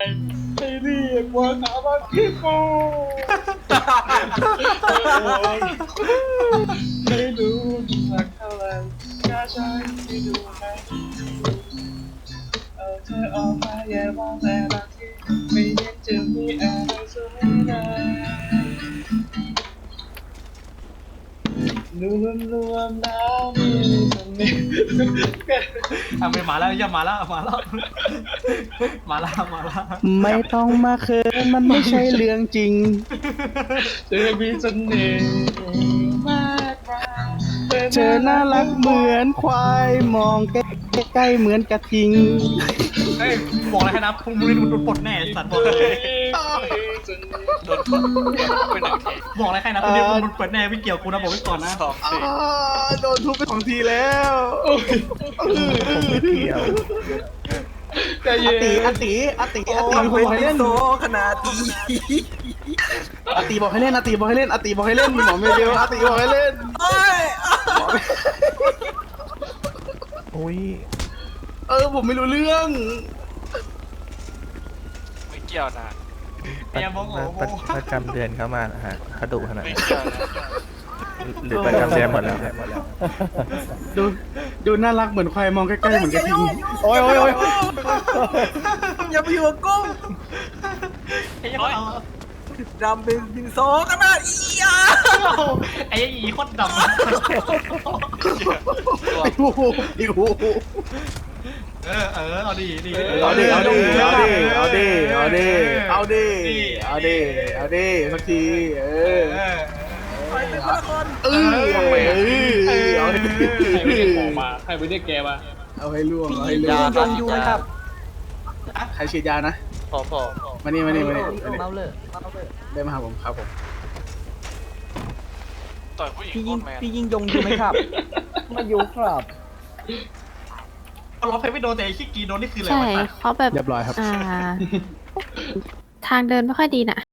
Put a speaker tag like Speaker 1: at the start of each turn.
Speaker 1: ให้เรียกว่าสามัคคีโฟไม่รู้สักเท่าไหร่ก็ใช่ที่ดูให้เอาเธอออกมาแย่มองแต่บางทีไม่เห็นจะมีอะไรสวยงามรวมแล้วมีเสน่ห์
Speaker 2: ไม่มาแล้วอย่ามาแล้วมาแล้วมาแล้วมาแล้ว
Speaker 3: ไม่ต้องมาเขินมันไม่ใช่เรื่องจริง
Speaker 1: เธอมีเสน่ห์มากมาย
Speaker 3: เธอน่ารักเหมือนควายมองใกล้ๆเหมือนกระทิง
Speaker 2: เฮ้ยบอกอะไรให้นะพรุ่งนี้โดนปลดแน่สัตว์บอกเลย
Speaker 4: โดนไปหนึ่งที
Speaker 2: บอกอะไรให้นะพรุ่งนี้โดนปลดแน่ไม่เกี่ยวกูนะบอกไว้ก่อนนะ
Speaker 4: สองที
Speaker 3: โดนทุบไป2 ทีแล้ว
Speaker 1: ใจเย็น
Speaker 3: อาตีมีคนบอกให้เล่น
Speaker 5: ขนาดนี้
Speaker 3: อาตีบอกให้เล่นอาตีบอกให้เล่นอาตีบอกให้เล่นหมอไม่เดียวอาตีบอกให้เล่น
Speaker 5: อุ้ย
Speaker 3: ผมไม่รู้เรื่อง
Speaker 4: ไม่เกี่ยวนะ
Speaker 2: ไอ้ยังบอกโอ้โห
Speaker 5: ประจำเดือนเข้ามานะฮะเขาดุขนาด
Speaker 4: ไม่
Speaker 5: นั้น
Speaker 4: เกี่ยวนะ
Speaker 5: หรือประจำเดือนหมดแล้ว
Speaker 3: ดูน่ารักเหมือนควายมองใกล้ๆเหมือนกระทิงโอ้ย
Speaker 5: อย่าไปอยู่กับกุ้ง
Speaker 2: ไอ้ยังเอา
Speaker 5: ดำเป็นบินโซขนาดอีอ่ะ
Speaker 2: ไอ้อีโคตรดำ
Speaker 3: ไอ้โอ้โห
Speaker 2: เอาดีดี
Speaker 3: เอาดิสักทีเอาดิ
Speaker 1: ใครไม่ได้ของมาใครไม่ได้แกมา
Speaker 3: เอาให้ล่วง
Speaker 5: พี่
Speaker 3: เอาให้
Speaker 5: ยิ
Speaker 3: ล่วง
Speaker 5: งอยู่นะครับ
Speaker 3: ใครฉีดยานะ
Speaker 4: พอ
Speaker 3: มานี่
Speaker 5: เมาเลย
Speaker 3: ได้มาหาผมครับผม
Speaker 4: ต่อยผู้หญิง
Speaker 5: พี่
Speaker 4: โค
Speaker 5: ยิง
Speaker 4: ตรแมน
Speaker 5: พี่ยิงยงอยู่ไหมครับมาอยู่ครับ
Speaker 2: เราเพลไม่โดนแต่ไอ้ขี้กีโดนนี่คืออะไร
Speaker 6: ใช่
Speaker 2: วะ
Speaker 6: เขาแบบ
Speaker 3: เรียบร้อยครับ
Speaker 6: ทางเดินไม่ค่อยดีน่ะ